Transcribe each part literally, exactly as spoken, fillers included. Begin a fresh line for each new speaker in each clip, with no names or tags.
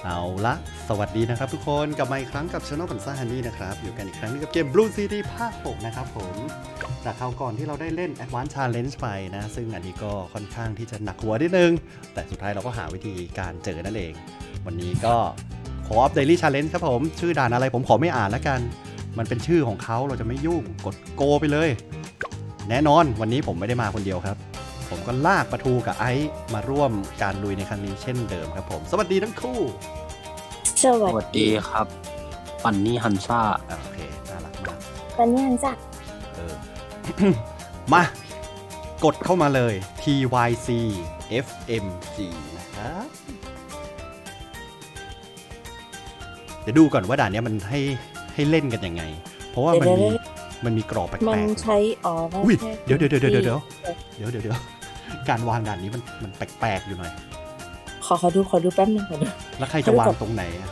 เอาละสวัสดีนะครับทุกคนกลับมาอีกครั้งกับ Channel ปันซ่าฮันนี่นะครับอยู่กันอีกครั้งนึงกับเกม Blue City ภาคหกนะครับผมจากคราวก่อนที่เราได้เล่น Advanced Challenge ไปนะซึ่งอันนี้ก็ค่อนข้างที่จะหนักหัวนิดนึงแต่สุดท้ายเราก็หาวิธีการเจอนั่นเองวันนี้ก็ Co-op Daily Challenge ครับผมชื่อด่านอะไรผมขอไม่อ่านแล้วกันมันเป็นชื่อของเขาเราจะไม่ยุ่งกดโกไปเลยแน่นอนวันนี้ผมไม่ได้มาคนเดียวครับผมก็ลากปะทูกับไอซ์มาร่วมการลุยในครั้งนี้เช่นเดิมครับผมสวัสดีทั้งคู่
สวั
สวัสดีครับปันนี่ฮันซ่า
โอเคน่ารักมาก
ปันนี่ฮันซ่า
เออ มากดเข้ามาเลย ที วาย ซี เอฟ เอ็ม จี นะครับเดี๋ยวดูก่อนว่าด่านนี้มันให้ให้เล่นกันยังไงเพราะว่ามันมีมันมีกรอบแปลกๆ
มันใช้อ๋อ
อุ้ยเดี๋ยวเดี๋ยวเดี๋ยวเดี๋ยวเดี๋ยวเดี๋ยวเดี๋ยวเดี๋ยวการวางด่านนี้มันมันแปลกๆอยู่หน่อย
ขอขอดูขอดูแป๊บนึงขอดู
แล้วใครจะวางตรงไหนอะ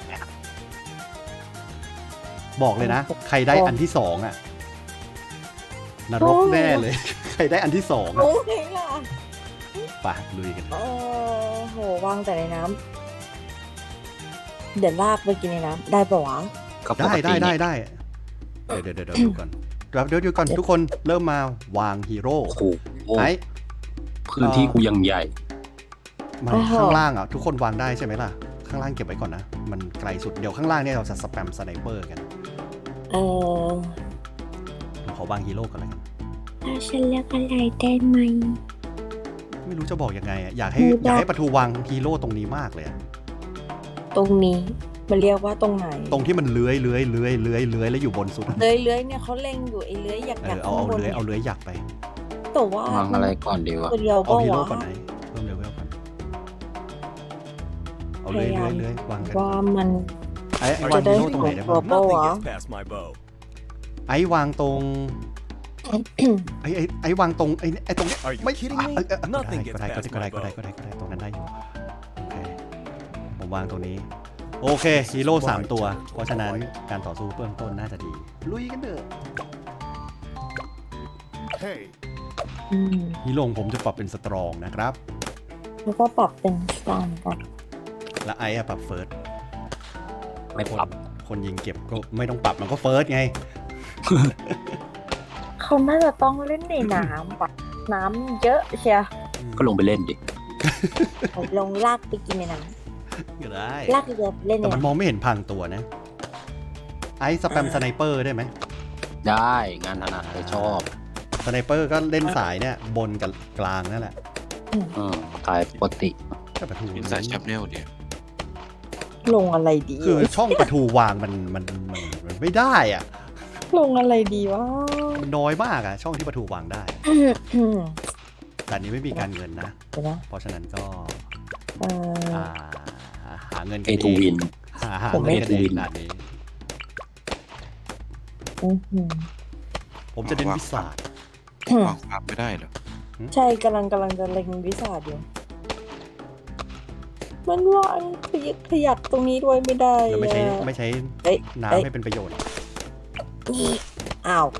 บอกเลยนะใครได้อันที่สองอะนรกแน่เลยใครได้อันที่สองอะไปลุยกัน
โอ้โหวางแต่ในน้ำเดี๋ยวลากไปกินในน้ำได้ปะวะ
ได้ได้ได้ได้เดี๋ยวเดี๋ยวเดี๋ยวดูก่อนเดี๋ยวเดี๋ยวก่อนทุกคนเริ่มมาวางฮีโร่ไอ้
พื้นที่กูยังใหญ่
มันข้างล่างอ่ะทุกคนวางได้ใช่ไหมล่ะข้างล่างเก็บไว้ก่อนนะมันไกลสุดเดี๋ยวข้างล่างเนี่ยเราจะสแปมสไนเปอร์กัน
เออ
ผมขอวางฮีโร่ก่อนเลยกัน
ถ้าฉันเลือกอะไรได้ไหม
ไม่รู้จะบอกยังไงอ่ะอยากให้อยากให้ปะทูวางฮีโร่ตรงนี้มากเลย
ตรงนี้มันเรียกว่าตรงไหน
ตรงที่มันเลื้อยเลื้อยเลื้อยเลื้อยเลื้อยแล้วอยู่บนสุด
เลื้อยเลื้อยเนี่ยเขาเล็งอยู่ไอ้เลื้อยอยากอยาก
เอาเอาเลื้อยเอาเลื้อยอยากไป
แต่ว่าว
างอะไรก่อนดีวะ
เอาฮีโร่ก่อนไหนเพิ่มเลเวลก่อนเอาเลื้อยเลื้อยเลื้อยวางกัน
ว่ามัน
ไอ้วางฮีโร่ตรงไหนได้บ้างไอ้วางตรงไอ้ไอ้ไอ้วางตรงไอ้ไอ้ตรงนี้ไม่ก็ได้ก็ได้ก็ได้ก็ได้ก็ได้ก็ได้ตรงนั้นได้อยู่โอเคผมวางตรงนี้โอเคฮีโร่สามตัวเพราะฉะนั้นการต่อสู้เบื้องต้นน่าจะดีลุยกันเถอะฮีโร่ผมจะปรับเป็นสตรองนะครับ
แล้วก็ปรับเป็นสตาร์กัน
และไอ้อะปรับเฟิร์ส
ไม่ปรับ
คนยิงเก็บก็ไม่ต้องปรับมันก็เฟิร์สไง
เขาน่าจะต้องเล่นในน้ำปะน้ำเยอะเชีย
ก็ลงไปเล่นดิ
ลงลากไปกินในน้ำ
ก็ได้
ลากเรือเล่น
แต่มันมองไม่เห็นพังตัวนะไอ้สแปมสไนเปอร์ได้ไหม
ได้งานถนัดเลยชอบ
สไนเปอร์ก็เล่นสายเนี่ยบนกับกลางนั่นแหละ
อืมสายปกติ
ก็ประตู
สายแชปเนลเดียว
ลงอะไรดี
คือช่องประตูวางมันมันมันมันไม่ได้อ่ะ
ลงอะไรดีวะ
มันน้อยมากอ่ะช่องที่ประตูวางได้แต่นี้ไม่มีการเงินนะเพราะฉะนั้นก็หาเงินกันเองหาหาเงินกันเองนาดนี้ผมจะเล่นวิสาด
วางความไม่ได้เหรอ
ใช่กำลังกำลังจะเล็งวิสาดอยู่มันวางขยักขยักตรงนี้ด้วยไม่ได้
ไม่ใช่ไม่ใช่น้ำให้เป็นประโยชน์
นี่อ้าว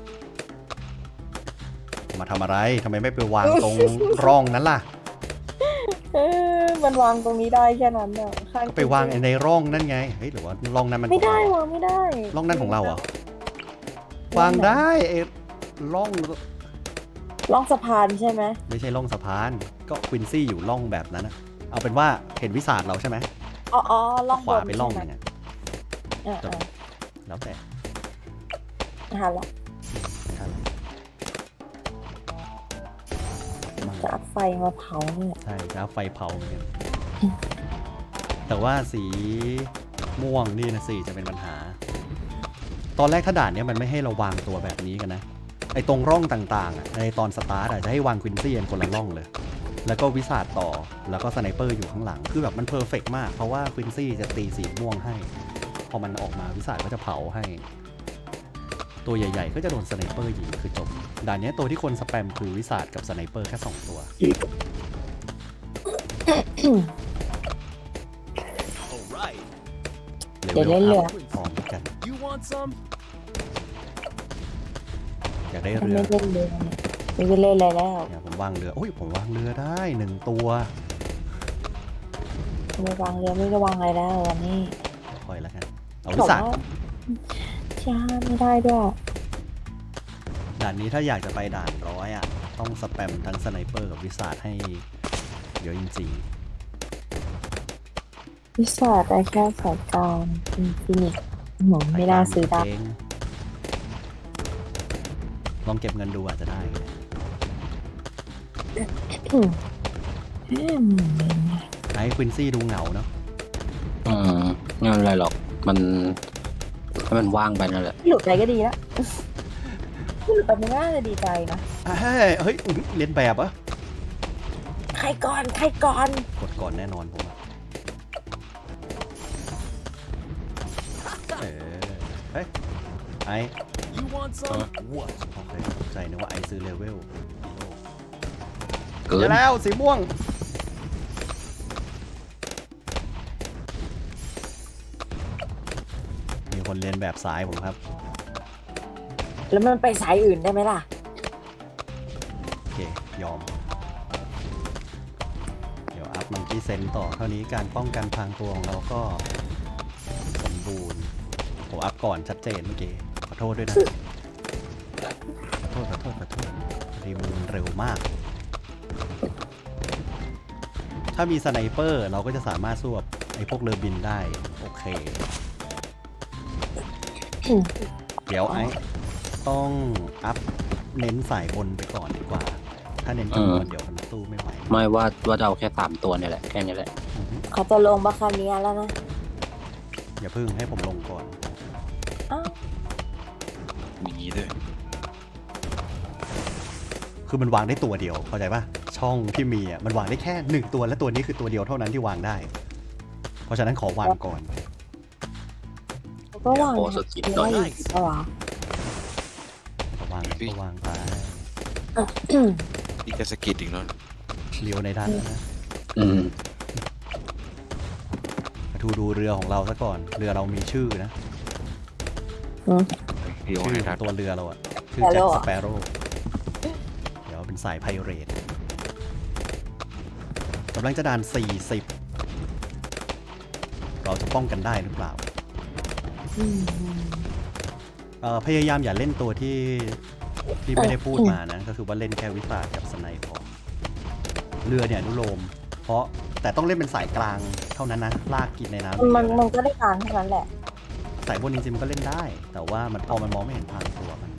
มาทำอะไรทำไมไม่ไปวางตรงร่องนั้นล่ะ
เออมันวางตรงนี้ได้แค่นั้นเนี่ย
ข้างไปวางในร่องนั่นไงเฮ้ยหรือว่าร่องนั้นมัน
ไม่ได้วางไม่ได้
ร่องนั้นของเราเหรอวางได้เอร่อง
ร่องสะพานใช่ไหม
ไม่ใช่ร่องสะพานก็ควินซี่อยู่ร่องแบบนั้นนะเอาเป็นว่าเห็นวิสาดเราใช่ไหม
อ๋ออ๋อร่อง
ขวาไปร่องนึงอ่ะแล้วแต่
หันละจะเอาไฟมาเผาเนี่ย
ใช่จะเอาไฟเผาเหมือนกันแต่ว่าสีม่วงนี่นะสิจะเป็นปัญหาตอนแรกถ้าด่านนี้มันไม่ให้เราวางตัวแบบนี้กันนะไอ้ตรงร่องต่างๆในตอนสตาร์ทจะให้วางควินซี่คนละร่องเลยแล้วก็วิสาดต่อแล้วก็สไนเปอร์อยู่ข้างหลังคือแบบมันเพอร์เฟกต์มากเพราะว่าควินซี่จะตีสีม่วงให้พอมันออกมาวิสาดก็จะเผาให้ตัวใหญ่ๆก็จะโดนสไนเปอร์ยิงคือจบด่านนี้ตัวที่คนสแปมคือวิสาดกับสไนเปอร์แค่สองตัว
เดี๋ยวเล่นเรือ
พร้อมกันอยากได้เรือ
ไม่เล่นเรือไม่เล่นอะไรแล้ว
ผมวางเรือโอ้ยผมวางเรือได้หนึ่งตัว
ไม่วางเรือไม่ระวังอะไรแล้ววันนี้
คอยแล้วกันเอาวิสา
ช้าไม่ได้ด้วย
ด่านนี้ถ้าอยากจะไปด่านร้อยอ่ะต้องสแปมทั้งสไนเปอร์กับวิสาให้เยอะจริง
วิสาได้แค่สายการอินฟินิตหนู
ๆ
ไม่น่าซื้อได้
เจ๊งลองเก็บเงินดูอาจจะได้
อืมอืม
ไอ้ควินซี่ดูเหงาเนาะ
อืมไม่เป็นไรหรอกมันให้มันว่างไปนั่นแหละ
หลุดไปก็ดีแล้วหลุดไปมันน่าจะดีใจนะ
เฮ้ยเฮ้ยอุ๊ยเรียนแบบเหรอะ
ใครก่อนใครก่อน
กดก่อนแน่นอนผมอะเออเฮ้ยไอ้
เออ
ว้าวโอเคตกใจนึกว่าไอ้ซื้อเลเวล
เกิ
เจ
น
อแล้วสีม่วง มีคนเรียนแบบสายผมครับ
แล้วมันไปสายอื่นได้ไหมล่ะ
โอเค ยอม เดี๋ยวอัพมังกี้เซนต่อเท่านี้การป้องกันพรางตัวของเราก็สมบูรณ์ผมอัพก่อนชัดเจนเมื่อกี้ ขอโทษด้วยนะ ขอโทษ ขอโทษ ขอโทษรีมูนเร็วมาก ถ้ามีสไนเปอร์เราก็จะสามารถสู้กับไอ้พวกเรือบินได้ โอเค
อืม
เดี๋ยวไอ้ต้องอัพเน้นสายบนไปก่อนดีกว่า ถ้าเน้นจำนวนเดี๋ยวมันสู้ไม่ไหว
ไม่ว่าว่าจะเอาแค่สามตัวเนี่ยแหละแค่นี้แหละ
อือฮึ
เขาจะลงบาคาเนียแล้วนะ
อย่าพึ่งให้ผมลงก่อน
อ้าว
มีงี้ด้วย
คือมันวางได้ตัวเดียว เข้าใจปะช่องที่มีอ่ะมันวางได้แค่หนึ่งตัวและตัวนี้คือตัวเดียวเท่านั้นที่วางได้ เพราะฉะนั้นขอวางก่อน
เขาก็วาง
โอ้สกิปหน่อย
ได้อีกเปล่าวะ
ขอวางก็วางไป
นี่ก็สะกิดอีกแล้ว
เลี้ยวในด้านนะ
อืม
มาดูดูเรือของเราซะก่อน เรือเรามีชื่อนะ
เดียว
ชื่อ
ให้
ข
ทั
อ
ด
งตัวเรือเราอะชื่อแจ็คสเปโร่เดี๋ยวเป็นสายไพเรตกำลังจะด่านสี่สิบเราจะป้องกันได้หรือเปล่า
อืม
เอ่อพยายามอย่าเล่นตัวที่ที่ไม่ได้พูดมานะ ก็คือว่าเล่นแค่วิสากับสไนพอเรือเนี่ยอนุโลม เพราะแต่ต้องเล่นเป็นสายกลางเท่านั้นนะ ลากกินในน้ำ
มัน
อย่างเดียว
มัน
นะ
ก็ได้การเท่านั้นแหละ
สายบนจริงๆมันก็เล่นได้ แต่ว่ามันพอมันมองไม่เห็นทางตัวมัน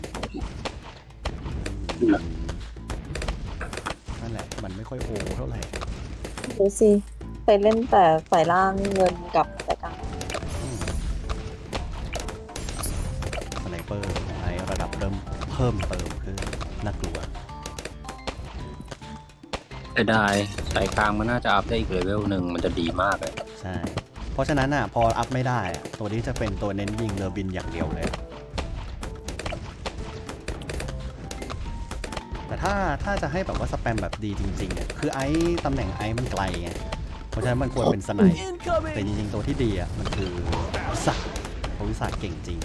นั่นแหละ มันไม่ค่อยโอเท่าไหร่
ดูสิไปเล่นแต่สายล่างเงินกับสายกลาง
อืมสไนเปอร์ในระดับเริ่มเพิ่มเติมขึ้นน่ากลัว
แต่ได้สายกลางมันน่าจะอัพได้อีกเลเวลหนึ่งมันจะดีมากเลย
ใช่ เพราะฉะนั้นอ่ะพออัพไม่ได้อะตัวนี้จะเป็นตัวเน้นยิงเรือบินอย่างเดียวเลย แต่ถ้าถ้าจะให้แบบว่าสแปมแบบดีจริงๆเนี่ยคือไอ้ตำแหน่งไอ้มันไกลไง เพราะฉะนั้นมันควรเป็นสไนป์แต่จริงๆตัวที่ดีอ่ะมันคือวิสาเพราะวิสาเก่งจริง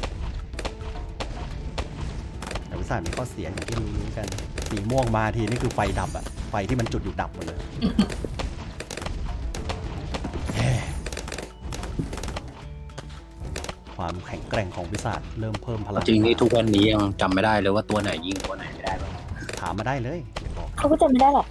แต่วิสามีข้อเสียอย่างที่รู้ๆกัน สีม่วงมาทีนี่คือไฟดับอ่ะ ไฟที่มันจุดอยู่ดับหมดเลย ความแข็งแกร่งของวิสาเริ่มเพิ่มพลัง
จริงนี่ทุกวันนี้ยังจำไม่ได้เลยว่าตัวไหนยิงตัวไหนไม่ได้บ้าง
ถามมาได้เลยเดี๋ยวบอก
เขาก็จะไม่ได้หรอก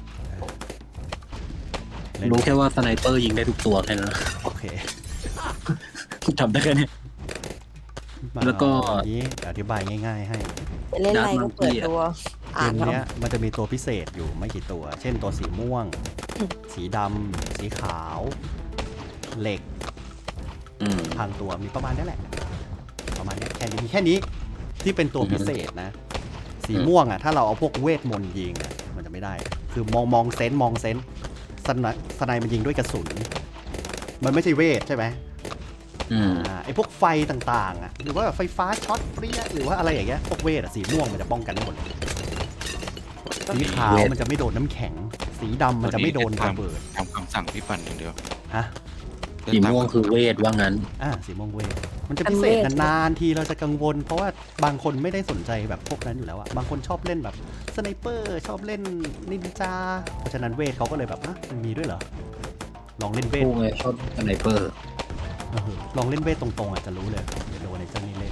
เล่น
รู้แค่ว่าสไนเปอร์ยิงได้ทุกตัวแค่นั้น
โอเค
จำได้แค่นี้
มา
แล้วก็
เอาอันนี้อธิบายง่ายๆให้
ไปเล่นอะไรก็เปิดตัว
เก
อ่าน
ม
แล้ว
เนี้ยมันจะมีตัวพิเศษอยู่ไม่กี่ตัว เช่นตัวสีม่วง
อืม
สีดำ สีขาว เหล็ก
อืม
ทางตัวมีประมาณนี้แหละ ประมาณเนี้ยแค่นี้มีแค่นี้ที่เป็นตัว
อือฮึ
พิเศษนะ สี
อืม
ม่วงอ่ะถ้าเราเอาพวกเวทมนต์ยิงอ่ะมันจะไม่ได้ คือมองมองเซนส์มองเซนส์สไนสไนมันยิงด้วยกระสุน มันไม่ใช่เวทใช่ไหม
อืม
อ่าไอพวกไฟต่างๆอ่ะหรือว่าไฟฟ้าช็อตเปรี้ยหรือว่าอะไรอย่างเงี้ยพวกเวทอ่ะสีม่วงมันจะป้องกันได้หมดเลยสีขาวมันจะไม่โดนน้ำแข็ง สีดำมันจะไม่โดนระเบิด
ทำคำสั่งพี่ปั่นอย่างเดียว
ฮะ
สีม่วงคือเวทว่างั้น
อ่าสีม่วงเวทมันจะพิเศษนานๆทีเราจะกังวล เพราะว่าบางคนไม่ได้สนใจแบบพวกนั้นอยู่แล้วอะบางคนชอบเล่นแบบสไนเปอร์ชอบเล่นนินจาเพราะฉะนั้นเวทเขาก็เลยแบบอ่ะมันมีด้วยเหรอลองเล่นเวท
ผู้ไงชอบสไนเปอร์
เออลองเล่นเวทตรงๆอาจจะรู้เลยเดี๋ยวโดนในเจ้านี่เล่น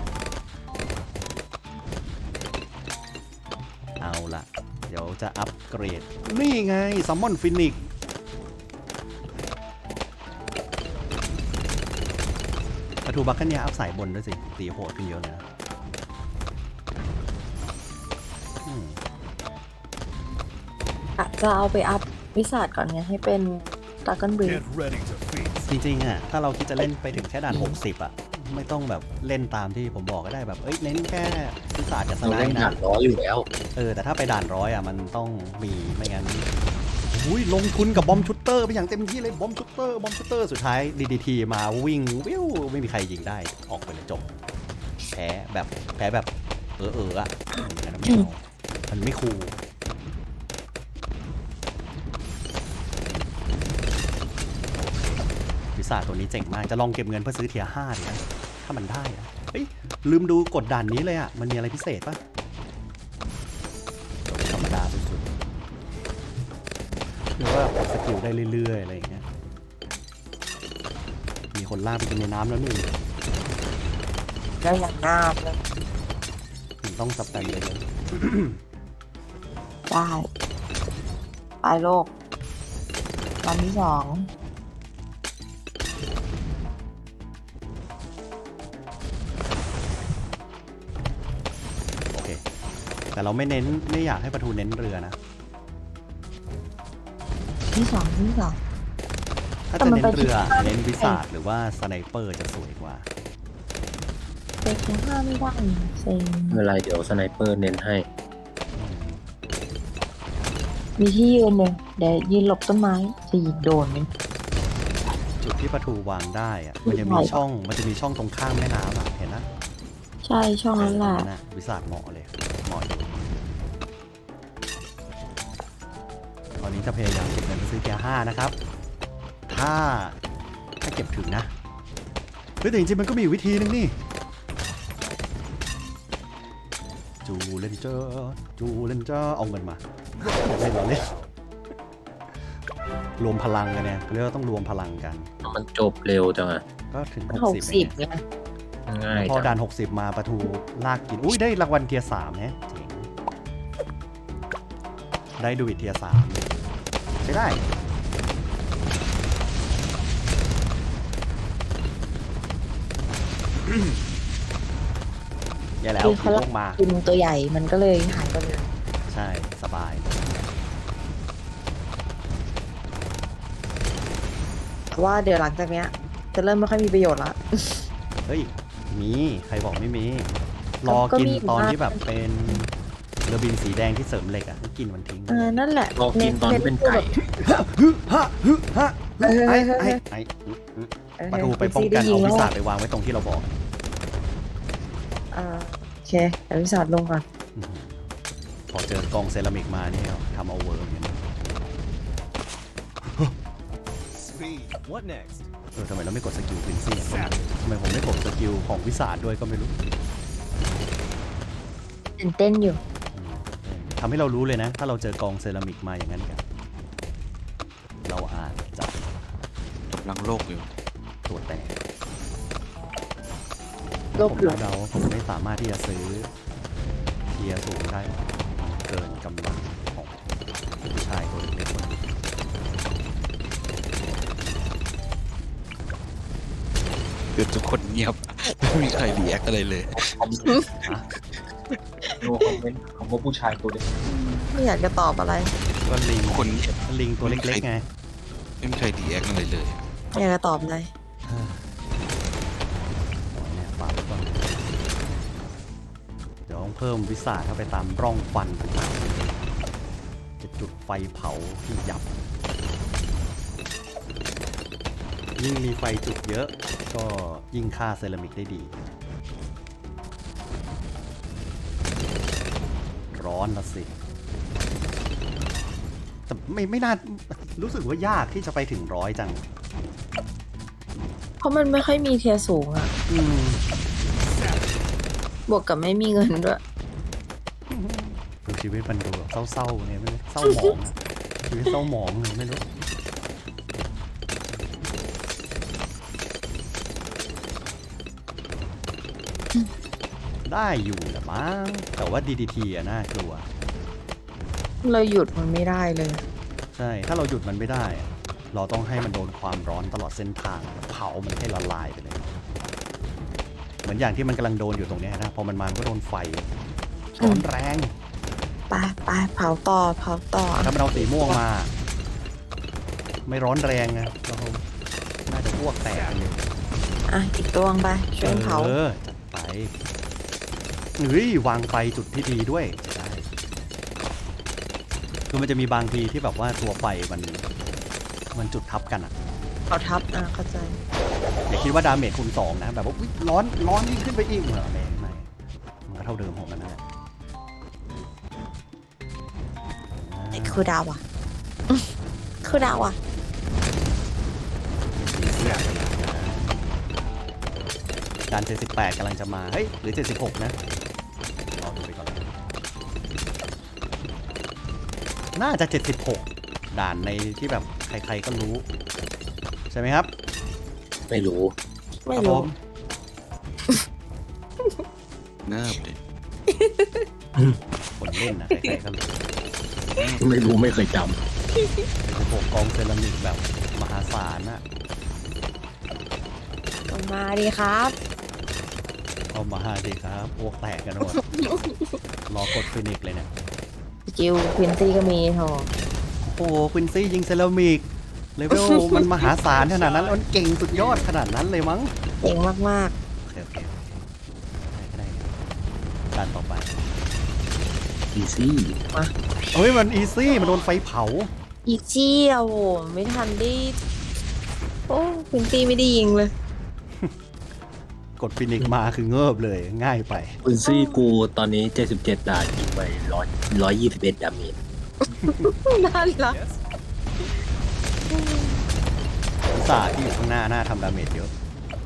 เอาละเดี๋ยวจะอัปเกรดนี่ไงซัมมอนฟินิกประตูบัคเกเนียอัพสายบนด้วยสิตีโหดขึ้นเยอะเลยนะอืม
อาจจะเอาไปอัพวิสัทก่อนไงให้เป็นดากอนบรีด
จริงๆอ่ะถ้าเราคิดจะเล่นไปถึงแค่ด่านหกสิบอ่ะไม่ต้องแบบเล่นตามที่ผมบอกก็ได้แบบเอ้ยเน้นแค่วิสาจะส
เรา
ไน
เล่น
ด์
หนั
นะ
กร้อยอยู่แล้ว
เออแต่ถ้าไปด่านร้อยอ่ะมันต้องมีไม่งั้นอุ้ยลงทุนกับบอมชุตเตอร์ไปอย่างเต็มที่เลยบอมชุตเตอร์บอมชุตเตอร์สุดท้าย ดี ดี ที มาวิ่งวิวไม่มีใครยิงได้ออกไปเลยจบแพ้แบบแพ้แบบเออเอออ่ะอืมอันนั้นไม่เอามันไม่คูลวิสาตัวนี้เจ๋งมากจะลองเก็บเงินเพื่อซื้อเทียร์ห้าดีนะถ้ามันได้นะเฮ้ยลืมดูกดด่านนี้เลยอ่ะมันมีอะไรพิเศษปะธรรมดาสุดๆหรือว่าสกิลได้เรื่อยๆอะไรอย่างเงี้ยมีคนลากไปกินในน้ำแล้วนี่
ได้อย่างงามเลย
ถึงต้องสับแต่งเลย
ได้ไปโลกวันที่สอง
โอเคแต่เราไม่เน้นไม่อยากให้ประทูเน้นเรือนะ
ที่สองที่สอง
ถ้า
แต่
จะ
มัน
เน้น
ไป
เรือ
ที่
เน้นวิสาดหรือว่าสไนเปอร์จะสวยกว่า
เด็กยังห้าไม่ได้เซ็ง
เวลาเดี๋ยวสไนเปอร์เน้นให้
มีที่ยืนเลยเดี๋ยวยืนหลบต้นไม้จะยิงโดนไหม
จุดที่ประทูวางได้อะมันจะมีช่องมันจะมีช่องตรงข้ามแม่น้ำอะเห็นนะ
ใช่ช่องนั้นแหละ
เออนะวิสาดเหมาะเลยเหมาะอยู่ตอนนี้จะพยายามเก็บเงินไปซื้อเทียร์ห้านะครับ ถ้าถ้าเก็บถึงนะเฮ้ยแต่จริงๆมันก็มีวิธีนึงนี่จูเลนเจอร์จูเลนเจอร์เอาเงินมาเล่นเราเล่นรวมพลังกันเนี่ยเรียกว่าต้องรวมพลังกัน
มันจบเร็วจังอะ
ก็ถึง
หก
หกสิบ
สิบ
เอง
ไง
ง่าย
พอ
จัง
ด่านหกสิบมาประทูลากกินอุ้ยได้รางวัลเทียร์สามแฮะเจ๋งได้ดูวิทเทียร์สามใช้ได้แย่แล้ว
คือ
ผี
เขา
ลงมา
กินตัวใหญ่มันก็เลยหายไปเลย
ใช่สบาย
แต่ว่าเดี๋ยวหลังจากเนี้ย จะเริ่มไม่ค่อยมีประโยชน์ละ
เฮ้ยมีใครบอกไม่มี ร
ก็
อ
ก็
กิน
มี
ตอน
บ้าง
ที่แบบเป็นเรือบินสีแดงที่เสริมเหล็กอ่ะก็กินมันทิ้ง
เออนั่นแหละ
รอกินตอนที่เป็นไก่
ฮึฮะฮึฮะ
เออ
ไอ้
เออ
ไอ้ไอ้
เออ
ประตูไปป้องกันเอาวิสาดไปวางไว้ตรงที่เราบอก
เออโอเคเดี๋ยววิสาดลงก่อน
อื้อหือพอเจอกองเซรามิกมานี่ทำเอาเวิร์กเนี่ยนะ
Speed. What next?
เออทำไมเราไม่กดสกิลควินซี่อะทำไมผมไม่กดสกิลของวิสาดด้วยก็ไม่รู้
ตื่นเต้นอยู่
อืมทำให้เรารู้เลยนะ ถ้าเราเจอกองเซรามิกมาอย่างนั้นกันเราอาจจะ
กำลังโลกอยู่
ตัวแตก
โล
ผ
ก
ม
หลง
เดาผมไม่สามารถที่จะซื้อเทียร์สูงได้ เกินกำลังของผู้ชายตัวเล็กๆคนนี้
คือทุกคนเงียบ ไม่มีใครรีแอคอะไรเลย
ดูคอมเมนต์ของว่าผู้ชายตัวเล็ก
ไม่อยากจะตอบอะไร
ก็ลิง
ทุกคนเงียบ
ลิงตัวเล็กๆไง
ไม่มีใครรีแอคอะไรเลย
ไม่อยากจะตอบอะไร
เนี่ยฝากไว้ก่อนเดี๋ยวต้องเพิ่มวิสาเข้าไปตามร่องฟันต่างๆจะจุดไฟเผาที่ยับ ยิ่งมีไฟจุดเยอะ ก็ยิ่งฆ่าเซรามิกได้ดี ร้อนละสิ แต่ไม่ไม่น่ารู้สึกว่ายากที่จะไปถึงร้อยจัง
เพราะมันไม่ค่อยมีเทียร์สูงอะ
อืม
บวกกับไม่มีเงินด้วย
ดูชีวิตมันดูแบบเศร้าๆเนี่ยไม่รู้เศร้าหมองอะชีวิตเศร้าหมองเลยไม่รู้ได้อยู่แหละมั้งแต่ว่า ดี ดี ที อะน่ากลัว
เราหยุดมันไม่ได้เลย
ใช่ ถ้าเราหยุดมันไม่ได้อะเราต้องให้มันโดนความร้อนตลอดเส้นทางเผามันให้ละลายไปเลย เหมือนอย่างที่มันกำลังโดนอยู่ตรงเนี้ยนะพอมันมามันก็โดนไฟร้อนแรง
ไปไปเผาต่อเผาต่อ
ถ้ามันเอาสีม่วงมา ไม่ร้อนแรงนะเราน่าจะอ้วกแตกกันอยู่
อ่ะอีกตัวงไปช่วยเผา
เออจัดไปเฮ้ยวางไฟจุดที่ดีด้วยจะได้คือมันจะมีบางทีที่แบบว่าตัวไฟมันมันจุดทับกันอ่ะ
เขาทับอ่ะเข้าใจ
อย่าคิดว่าดาเมจคูณสองนะแบบว่าอุ๊ยร้อนร้อนยิ่งขึ้นไปอีกเหรอไม่ไม่มันก็เท่าเดิมของมันนั่นแหละ
ไอ้คือดาวอ่ะอื้อคือดาวอ่ะ
การเจ็ดสิบแปดกำลังจะมาเฮ้ยหรือเจ็ดสิบหกนะรอดูไปก่อนน่าจะเจ็ดสิบหกด่านในที่แบบใครๆก็รู้ใช่ไหมครับ
ไม่รู้
ไม่
ครับผ
รู้
ม
เนิบเลย
คนเล่นนะใครๆก็รู้
ไม่รู้ไม่เคยจ
สิบหกกองเซรามิกแบบมหาศาลน่ะ
ลงมาดีครับ
เอามาหาดิครับอ้วกแตกกันหมด รอกดฟินิกเลยเนี่ย
สกิลควินซี่ก็มีโถ
โอ้โหควินซี่ยิงเซรามิกเลเวล มันมหาศาลขนาดนั้นแล้วมันเก่งสุดยอดขนาดนั้นเลยมั้ง
เก่งมาก
โอเคโอเคได้ก็ได้ด้านต่อไป
ำอีซี่
เฮ้ยมันอีซี่มันโดนไฟเผา
ๆ อีกจี้อ่ะโหไม่ทันได้โอ้ควินซี่ไม่ได้ยิงเลย
กดฟินิกมาคือเงิบเลยง่ายไป
คุณซี่กูตอนนี้เจ็ดสิบเจ็ดด่านยิงไปร้อยร้อยยี่สิบเอ็ดดาเมจ
น่ารัก
Yes.
อุตส่าห์ที่อยู่ข้างหน้าหน้าทำดาเมจเยอะ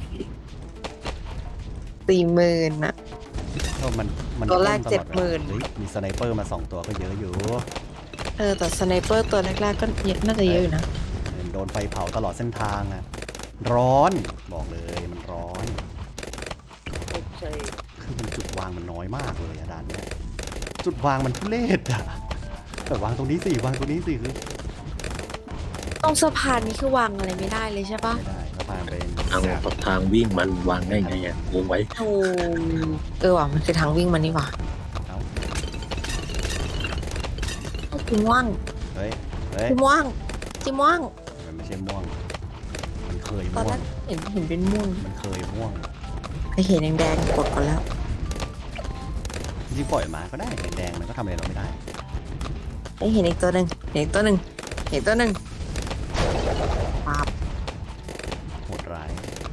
สี่หมื่นอ่ะ
ก็มันมัน
ตัวแรก
ต้น
เจ็ด
ลอ
หมื่น
เฮ้ยมีสไนเปอร์มาสองตัวก็เยอะอยู่
เออแต่สไนเปอร์ตัวแรกๆก็เยอะน่าจะเยอะอยู่นะ
โดนไฟเผาตลอดเส้นทางอะร้อนบอกเลยมันร้อนคือมันจุดวางมันน้อยมากเลยอะด้านเนี้ยจุดวางมันทุเรศอะแต่วางตรงนี้สิวางตรงนี้สิคือ
ตรงสะพานนี้คือวางอะไรไม่ได้เลยใช่ปะ
ไม่ได้ก็พานเป็น
ทางทางวิ่งมันวางได้ไงอ่ะงงไว้
โอ้เออว่ะมันคือทางวิ่งมันนี่หว่า
เอ้า
จิม่วง
เฮ้ยเฮ้ย
จิม่วงจิม่วง
มันไม่ใช่ม่วง มันเคย
ตอน
ม่ว
แรง กเห็นเห็นเป็นม่วง
มันเคยม่วง
ไอเห็นแดงๆกดก่อนแล้ว
จริงๆปล่อยมาก็ได้แดงๆมันก็ทำอะไรเราไม่ได้
ไอเห็นอีกตัวหนึ่งเห็นอีกตัวหนึ่งเห็นตัวหนึ่งปั๊บ
โหดร้าย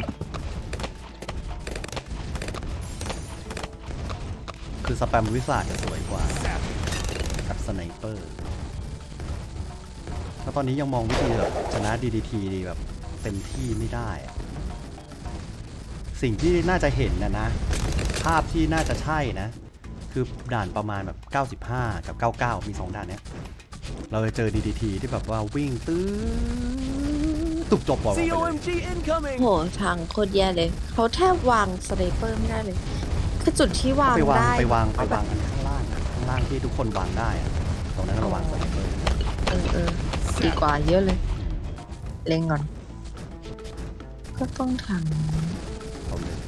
คือสแปมวิสาจะสวยกว่ากับสไนเปอร์แล้วตอนนี้ยังมองวิธีแบบชนะ ดี ดี ที ดีแบบเต็มที่ไม่ได้อะสิ่งที่น่าจะเห็นนะนะ ภาพที่น่าจะใช่นะ คือด่านประมาณแบบ เก้าสิบห้า กับ เก้าสิบเก้า มีสองด่านเนี้ย เราจะเจอ ดี ดี ที ที่แบบว่าวิ่งตื้อตุบจบบอกไปเลย
C O M G incoming.
โหทางโคตรแย่เลยเขาแทบวางสไนเปอร์ไม่ได้เลย คือจุดที่วาง
ไปวาง
ได้
ไปวางไปวางอันข้างล่างอะข้างล่างที่ทุกคนวางได้อะตรงนั้นเราวางสไนเปอร์
เออเออดีกว่าเยอะเลย เล็งก่อน ก็ต้องท
เอาเลย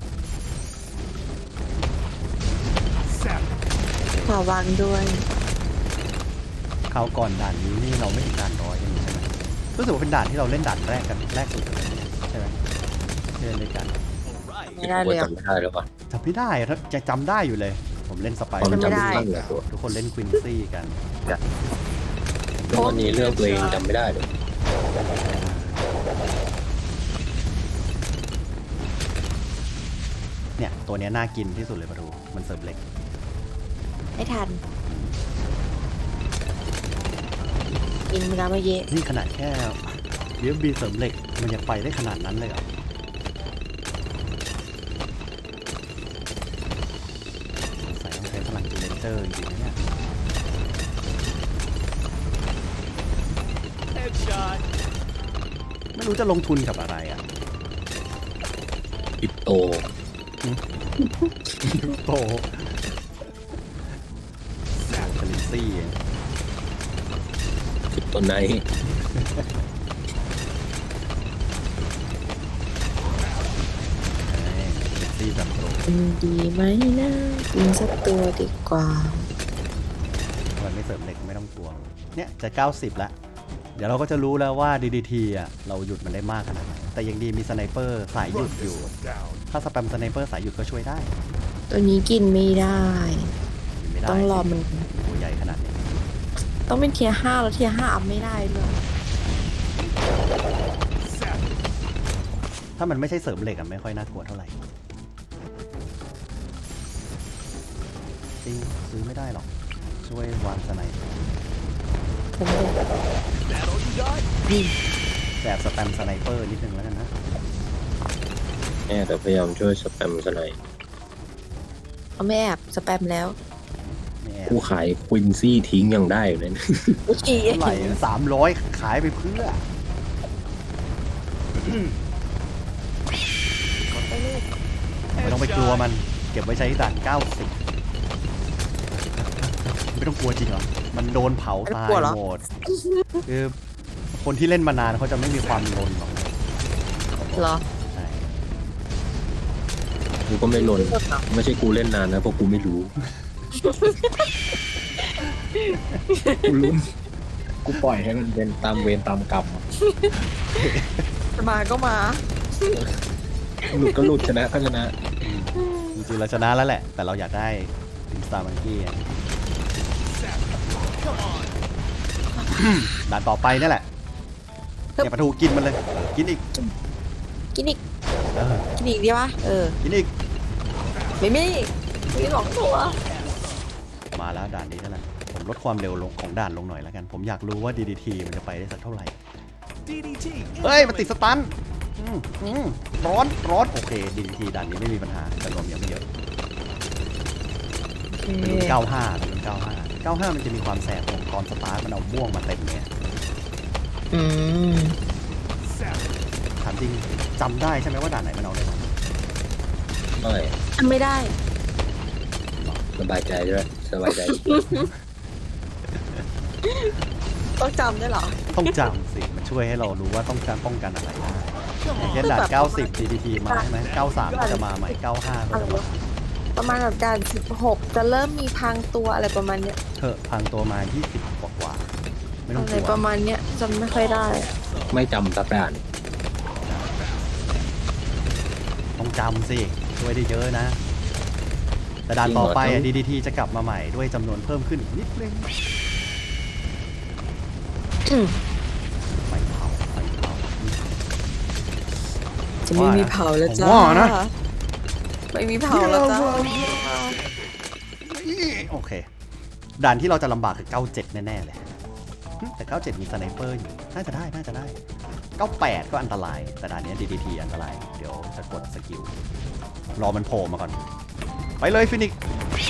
ำขอวางด้วย
คราวก่อนด่านนี้นี่เราไม่ถึงด่านร้อยกันใช่ไหมรู้สึกว่าเป็นด่านที่เราเล่นด่านแรกกันแรกสุดเลยใช่ไหมที่เล่นด้วยกัน
All right.
ไม่ได้เลย
จำ
อะ
ไม่ได้แล้วป่ะ
จำไม่ได้อะถ้าจะจำได้อยู่เลย ผมเล่นสไป
ความ
จำไม่
จำ
ได้
สั้นเลยตัว
ทุกคนเล่นควินซี่กัน
แล้ววันนี้เรื่องตัวเองจำไม่ได้เลย
เนี่ยตัวเนี้ยน่ากินที่สุดเลยมาดูมันเสิร์ฟเล็ก
ไม่ทัน กินเวลามาเยอะ
นี่ขนาดแค่เลี้ยงบีเสริมเหล็กมันยังไปได้ขนาดนั้นเลยเหรอใส่ต้องใช้พลังจูเลนเจอร์จริงๆนะเนี่ย
Headshot.
ไม่รู้จะลงทุนกับอะไรอ่ะ
คริปโต
โตคาลิซี่
จุดตัวไหน
คาลิซี่แบบโต
อืมดีไหมนะกินสักตัวดีกว่า
มันไม่เสริมเหล็กไม่ต้องกลัวเนี่ยจะเก้าสิบแล้วเดี๋ยวเราก็จะรู้แล้วว่า ดี ดี ที อ่ะเราหยุดมันได้มากขนาดไหนแต่ยังดีมีสไนเปอร์สายหยุดอยู่ ถ้าสแปมสไนเปอร์สายหยุดก็ช่วยได้
ตัวนี้กินไม่ได้
ยิงไม่ได้
ต้องรอมัน
ตัวใหญ่ขนาดนี้
ต้องเป็นเทียร์ห้าแล้วเทียร์ห้าอัพไม่ได้ด้วย
ถ้ามันไม่ใช่เสริมเหล็กอ่ะไม่ค่อยน่ากลัวเท่าไหร่จริงซื้อไม่ได้หรอกช่วยวางสไน
ผมเลย
That all you got?
แบบสแปมสไนเปอร์นิดนึงแล้วกันนะ
เนี่ยแต่พยายามช่วยสแปมสไนด์
เอาไม่แอบสแปมแล้ว
ไม่แอบ
กูขายควินซี่ทิ้งยังได้อยู่เลยนะ
อี
เท่าไหร่สามร้อยขายไปเพื่อ ไม่ต้องไปกลัวมันเก็บไว้ใช้ด่านเก้าสิบไม่ต้องกลัวจริงเหรอมันโดนเผาตายหมดคือคนที่เล่นมานานเขาจะไม่มีความลนหรอก
เหรอ
ใช่
กูก็ไม่ลนไม่ใช่กูเล่นนานนะเพราะกูไม่รู้ กูลุ้นกูปล่อยให้มันเป็นตามเวรตามกรรมอะ
มาก็มา
หลุดก็หลุดชนะก็ชนะ
จริงๆเราชนะแล้วแหละ แต่เราอยากได้ติมสตาร์มังกี้ด่านต่อไปนี่แหละเนี่ยปลาทูกินมันเลยกินอีก
กินอีก
เออ
กินอีกดีวะเออ
กินอีก
ไม่มีมีสองตัว
มาแล้วด่านนี้นั่นแหละผมลดความเร็วลงของด่านลงหน่อยแล้วกันผมอยากรู้ว่า ดี ดี ที มันจะไปได้สักเท่าไหร่
D D T.
เฮ้ย มันติดสตันอืมอืมร้อน ร้อน โอเค ดี ดี ที ด่านนี้ไม่มีปัญหาจำนวนยังไม่เยอะเป็นรุ่นเก้าห้าเป็นรุ่นเก้าห้าเก้าห้ามันจะมีความแสบของตอนสตาร์ทมันเอาม่วงมาเต็มเนี่ย
อืม
ถามจริงจำได้ใช่ไหมว่าด่านไหนมันเอาเลยมา
ไม่
ทำไม่ได้
สบายใจด้วยสบายใจ
ต้องจำได้เหรอ
ต้องจำสิ มันช่วยให้เรารู้ว่าต้องการป้องกันอะไรได้อย่างเช่นด่านเก้าสิบ ดี ดี ที มาใช่ไหมเก้าสามก็จะมาใหม่เก้าห้าก็จะมา
ประมาณแบบด่านสิบหกจะเริ่มมีพรางตัวอะไรประมาณเนี้ย
เถอะพังตัวมายี่สิบกว่ากว่าๆไม่ต้อง
อะ
ก
ไร
ลัว
ประมาณเนี้ยจำไม่ค่อยได้
ไม่จำสักด่าน
ต้องจำสิ ช่วยได้เยอะนะ แต่ด่านต่อไปอ่ะ ดี ดี ที จะกลับมาใหม่ด้วยจำนวนเพิ่มขึ้นนิดนึง ไฟเผาไฟเผา
จะไม่มีเผาแล้วจ้า
ผมว่านะ
ไม่มีเผาแล้วจ้า
โอเค ด่านที่เราจะลำบากคือเก้าเจ็ดแน่ๆเลยหึแต่เก้าเจ็ดมีสไนเปอร์อยู่ น่าจะได้ น่าจะได้ เก้าแปดก็อันตราย แต่ด่านนี้ ดี ดี ที อันตราย เดี๋ยวจะกดสกิล รอมันโผล่มาก่อน ไปเลยฟินิกซ์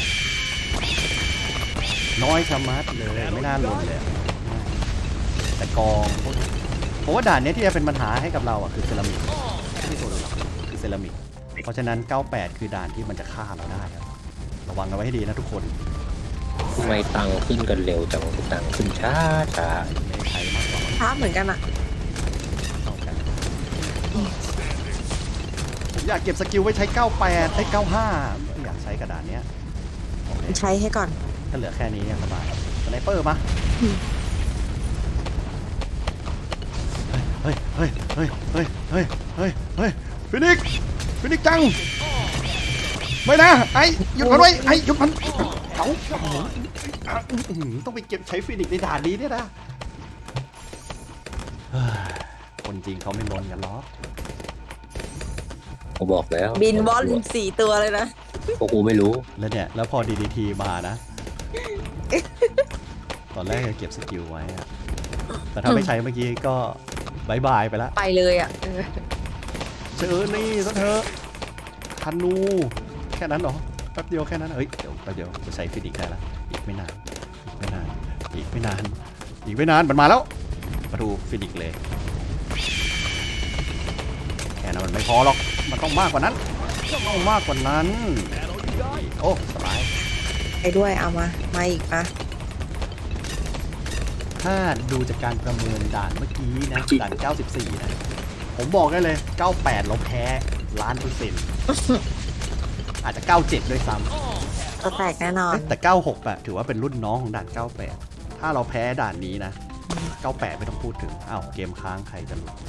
น้อยชะมัดเลย ไม่น่าลนเลย แต่กองพวกผมว่าด่านนี้ที่จะเป็นปัญหาให้กับเราอ่ะคือเซรามิกไม่ใช่ตัวอื่นหรอกคือเซรามิก เพราะฉะนั้นเก้าแปดคือด่านที่มันจะฆ่าเราได้ครับระวังกันไว้ให้ดีนะทุกคน
ทำไมตังค์ขึ้นกันเร็วจังตังค์ขึ้นช้าช้า
ไม่ได้ใช้มากกว่า
ช้าเหมือนกันอะ
เท่ากันผมอยากเก็บสกิลไว้ใช้เก้าแปดใช้เก้าห้าไม่อยากใช้กระดานเนี้ยโอเค
ใช้ให้ก่อน
ถ้าเหลือแค่นี้เนี่ยสบายสไนเปอร์มาเฮ้ยเฮ้ยเฮ้ยเฮ้ยเฮ้ยเฮ้ยเฮ้ยฟินิกซ์ฟินิกซ์จังไม่นะไอ้หยุดมันไว้ไอ้หยุดมันเขาต้องไปเก็บใช้ฟินิกซ์ในด่านนี้เนี่ยนะเฮ้ยคนจริงเขาไม่ลนกันหรอก
กูบอกแล้ว
บินวอลสี่ตัวเลยนะ
พวกกูไม่รู้
แล้วเนี่ยแล้วพอ ดี ดี ที มานะ ตอนแรกจะเก็บสกิลไว้อะแต่ถ้าไม่ใช้เมื่อกี้ก็บายบายไปแล้ว
ไปเลยอะเออ
เจอนี่ซะเถอะธนูแค่นั้นเหรอแป๊บเดียวแค่นั้นเอ้ยเดี๋ยวแป๊บเดียวจะใช้ฟินิกซ์ได้แล้วอีกไม่นานอีกไม่นานอีกไม่นานอีกไม่นานมันมาแล้วมาดูฟินิกซ์เลยแค่นั้นมันไม่พอหรอกมันต้องมากกว่านั้นต้องมากกว่านั้น
That all you got?
โอ้สบาย
ไปด้วยเอามา มาอีกปะ
ถ้าดูจากการประเมินด่านเมื่อกี้นะ ด่าน เก้าสิบสี่ นะ ผมบอกได้เลย เก้าสิบแปด เราแพ้ล้านเปอร์เซ็นต์ อาจจะ เก้าสิบเจ็ด ด้วยซ้ำ
จะแตกแน่นอน
เอ๊ะแต่ เก้าสิบหก อะถือว่าเป็นรุ่นน้องของด่าน เก้าสิบแปด ถ้าเราแพ้ด่านนี้นะ เก้าสิบแปด ไม่ต้องพูดถึง อ้าว เกมค้างใครจะรู้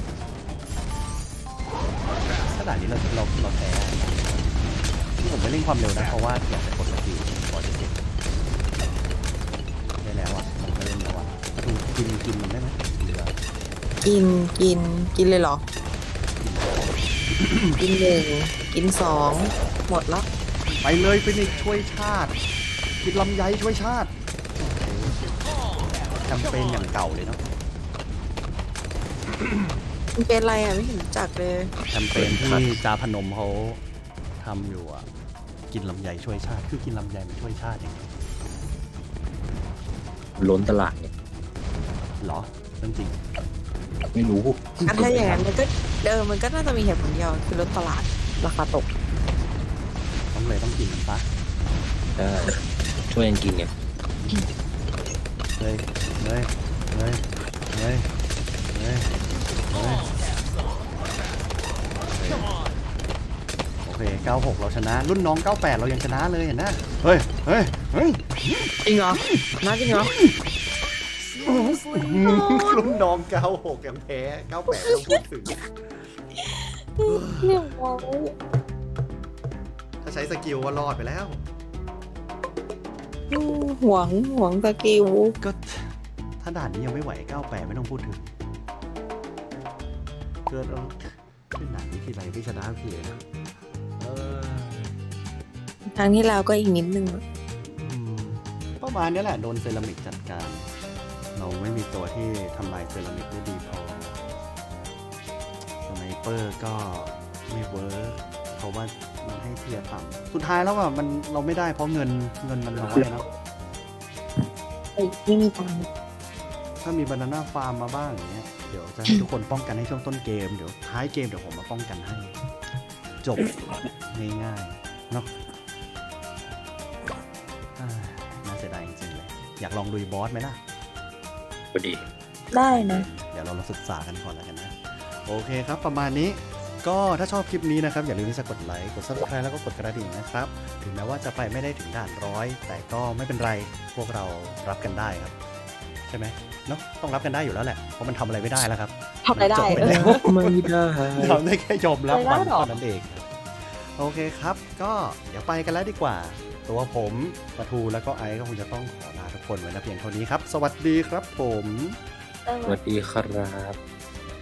ถ้าด่านนี้เราเราเราแพ้ที่ผมไม่เร่งความเร็วนะ เพราะว่าอยากจะกดสกิลก่อนจะเสร็จได้แล้วอ่ะ มันก็เล่นแล้วอ่ะถ้าดูกินกินมันได้ไหมเหลือ
กิน กิน กินเลยเหรอ กินหนึ่ง กินสอง หมดแล้ว
ไปเลยฟินิกซ์ช่วยชาติ กินลำไยช่วยชาติแคมเปญอย่างเก่าเลยเนาะ
มันเป็นอะไรอ่ะ ไม่เห็นรู้จักเลย
แคมเปญที่จาพนมเขาทำอยู่อ่ะ กินลำไยช่วยชาติ คือกินลำไยมันช่วยชาติอย่างไร
ล้นตลาดเนี่ย
เหรอเรื่องจริง
ไม่รู้
อ่ะถ้าอย่างนั้นมันก็เดิมมันก็น่าจะมีเหตุผลเดียวคือลดตลาดราคาตก
ต้องเลยต้องกินมันปะ
ใช่ช่วยกันกินไง
เลยเลยเลยเลยเลยเลยโอเคเก้าสิบหกเราชนะ รุ่นน้องเก้าสิบแปดเรายังชนะเลยเห็นนะเฮ้ยเฮ้ยเฮ้ย
จริงเหรอน่าจริงเหรอ
รุ่นน้องเก้าสิบหกยังแพ้เก้าสิบแปดต้องพูดถึง
เรียบร้อย
ถ้าใช้สกิลก็รอดไปแล้ว
อืมหวงหวงสกิล
ก็ถ้าด่านนี้ยังไม่ไหวเก้าสิบแปดไม่ต้องพูดถึงเกิดเอาขึ้นด่านนี้ทีไรไม่ชนะทีนะเออ
ทางที่แล้วก็อีกนิดนึง
อืมประมาณนี้แหละโดนเซรามิกจัดการ เราไม่มีตัวที่ทำลายเซรามิกได้ดีพอสไนเปอร์ก็ไม่เวิร์กเพราะว่ามันให้เทียร์ต่ำสุดท้ายแล้วอ่ะมันเราไม่ได้เพราะเงินเงินมันน้อยนะ
เอ้ยไม่มีตังค์
ถ้ามีบานาน่าฟาร์มมาบ้างอย่างเงี้ยเดี๋ยวจะให้ทุกคนป้องกันให้ช่วงต้นเกมเดี๋ยวท้ายเกมเดี๋ยวผมมาป้องกันให้ จบง่ายๆเนาะอ่าน่าเสียดายจริงๆเลยอยากลองลุยบอสไหมล่ะ
พอดี
ได้นะ
เดี๋ยวเราลองศึกษากันก่อนแล้วกันนะ โอเคครับประมาณนี้ก็ถ้าชอบคลิปนี้นะครับอย่าลืมที่จะกดไลค์กด ซับสไครบ์ แล้วก็กดกระดิ่งนะครับถึงแม้ว่าจะไปไม่ได้ถึงด่านร้อยแต่ก็ไม่เป็นไรพวกเรารับกันได้ครับใช่ไหมเนาะต้องรับกันได้อยู่แล้วแหละเพราะมันทำอะไรไม่ได้แล้วครับ
ทำอะไรได้
จบไป
เอ
แล้
อ
ว
ไม่ได้
ทำได้แค่ยอมรับ
ไม่ได้
มัน
หรอ
เท่านั้นเองครับโอเคครับก็เดี๋ยวไปกันแล้วดีกว่า ตัวผมปะทูแล้วก็ไอซ์ก็คงจะต้องขอลาทุกคนไว้นะเพียงเท่านี้ครับ สวัสดีครับผม
สวัสดีครับ